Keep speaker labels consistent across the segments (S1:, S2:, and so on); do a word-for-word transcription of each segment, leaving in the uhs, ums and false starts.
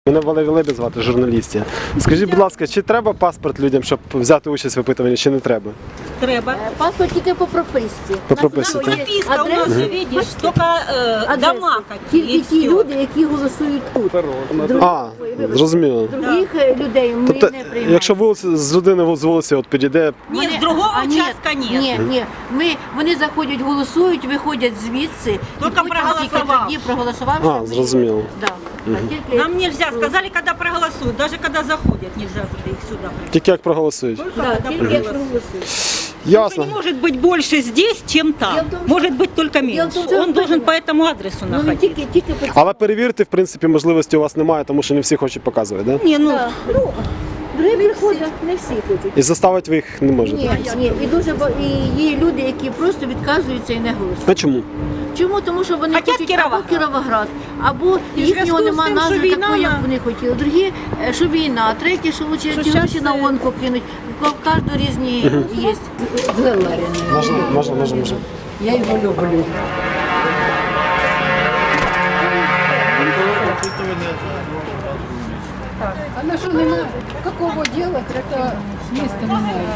S1: Мене Валерій Лебедь звати, журналістів. Скажіть, будь ласка, чи треба паспорт людям, щоб взяти участь в опитуванні, чи не треба?
S2: Треба.
S3: Паспорт тільки по прописці.
S1: По прописці, так?
S2: Прописка у нас, видишь, только э, дома какие.
S3: Тільки ті люди, які голосують тут.
S1: А, зрозуміло.
S3: Других людей ми
S1: Тобто,
S3: не приймаємо.
S1: якщо вулиці, з людини з вулиці от підійде,
S2: Нет, с другого
S3: А, ні,
S2: участка нет.
S3: Ні, ні. Ми, вони заходять, голосують, виходять звідси. і
S2: Тільки
S3: потім
S2: проголосував.
S3: Тоді проголосував.
S1: А, зрозуміло.
S3: Да. А тільки-
S2: Нам нельзя, сказали, когда проголосуют, даже когда заходят, нельзя их сюда.
S1: Тільки як проголосують.
S3: Да,
S2: Когда
S3: тільки якщо
S2: проголосуют.
S3: голосують.
S1: Ясно.
S2: Не может быть больше здесь, чем там.
S3: Дело в том, что-
S2: Может быть только
S3: Дело в
S2: меньше.
S3: том, что
S2: Он должен по этому адресу
S3: Ну, не
S2: находиться.
S3: тільки, тільки по
S1: Але перевірити, в принципі, можливості у вас немає, тому що не всі хочуть показувати, так? Да?
S2: Не, ну,
S3: Да. Ну, другі приходять, не всі хочуть.
S1: І заставити ви їх не можете.
S3: Ні, ні. І дуже ба- і є люди, які просто відказуються і не голосують.
S1: А чому?
S3: Чому? Тому що вони
S2: Хотять
S3: хочуть
S2: Кіровоград.
S3: або Кіровоград, або
S2: І в
S3: їхнього
S2: зв'язку з
S3: нема
S2: тим,
S3: назви
S2: що війна
S3: такої, як
S2: на-
S3: вони хотіли. Другі, е, що війна, треті, що лучше
S2: Що
S3: ці
S2: щас,
S3: гроші на
S2: е,
S3: гонку кинуть. У кожного різні є.
S1: Можна, можна, можна, можна.
S4: Я его люблю. А на что нема какого делать, это с места меняют.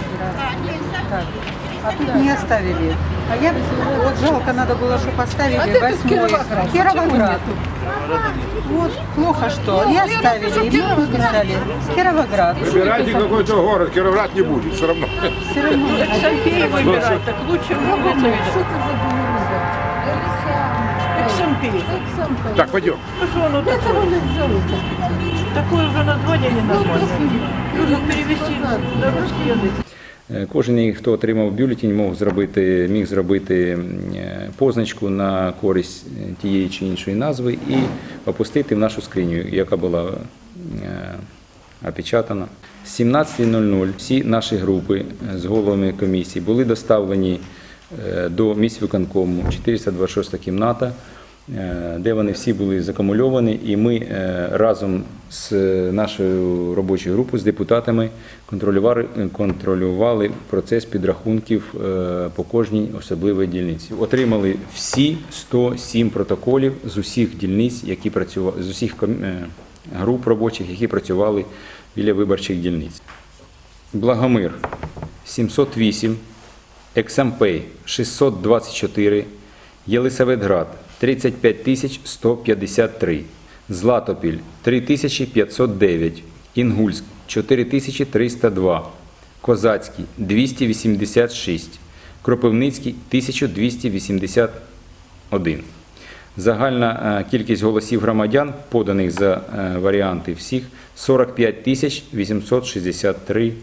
S5: А тут не оставили. А я вот жалко, надо было, чтобы
S4: А
S5: оставили
S4: ты тут
S5: восьмой.
S4: Кировоград. Почему
S5: Кировоград.
S4: нету?
S5: Вот плохо что. И оставили, и мы написали Кировоград.
S6: Выбирайте какой-то город, Кировоград не будет, все равно.
S5: Все равно.
S2: Шампей выбирать, так лучше
S4: Что это за белорусия?
S2: Шампей.
S6: Так, пойдем.
S4: Это он их зовут.
S2: Такое уже название не Нужно перевести на русский язык.
S7: Кожен, хто отримав бюлетень, мог зробити, міг зробити е, позначку на користь тієї чи іншої назви і опустити в нашу скриню, яка була е, опечатана. З сімнадцятої нуль нуль всі наші групи з головами комісії були доставлені е, до міськвиконкому, чотириста двадцять шоста кімната, е, де вони всі були закумульовані, і ми е, разом з нашою робочою групою, з депутатами контролювали, контролювали процес підрахунків е, по кожній особливій дільниці. Отримали всі сто сім протоколів з усіх дільниць, які працювали, з усіх ком- е, груп робочих, які працювали біля виборчих дільниць. Благомир – сімсот вісім, Екзампей – шістсот двадцять чотири, Єлисаветград – тридцять п'ять тисяч сто п'ятдесят три, Златопіль – три тисячі п'ятсот дев'ять, Інгульськ – чотири тисячі триста два, Козацький – двісті вісімдесят шість, Кропивницький – тисяча двісті вісімдесят один. Загальна е, кількість голосів громадян, поданих за е, варіанти всіх, сорок п'ять тисяч вісімсот шістдесят три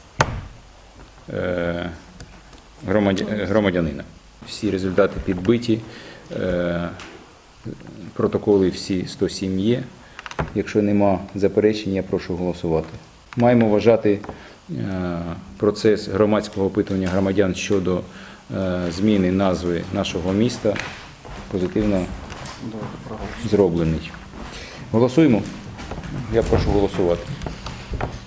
S7: е, громадя- громадянина. Всі результати підбиті, е, протоколи всі сто сім є. Якщо нема заперечень, я прошу голосувати. Маємо вважати е, процес громадського опитування громадян щодо е, зміни назви нашого міста позитивно зроблений. Голосуємо? Я прошу голосувати.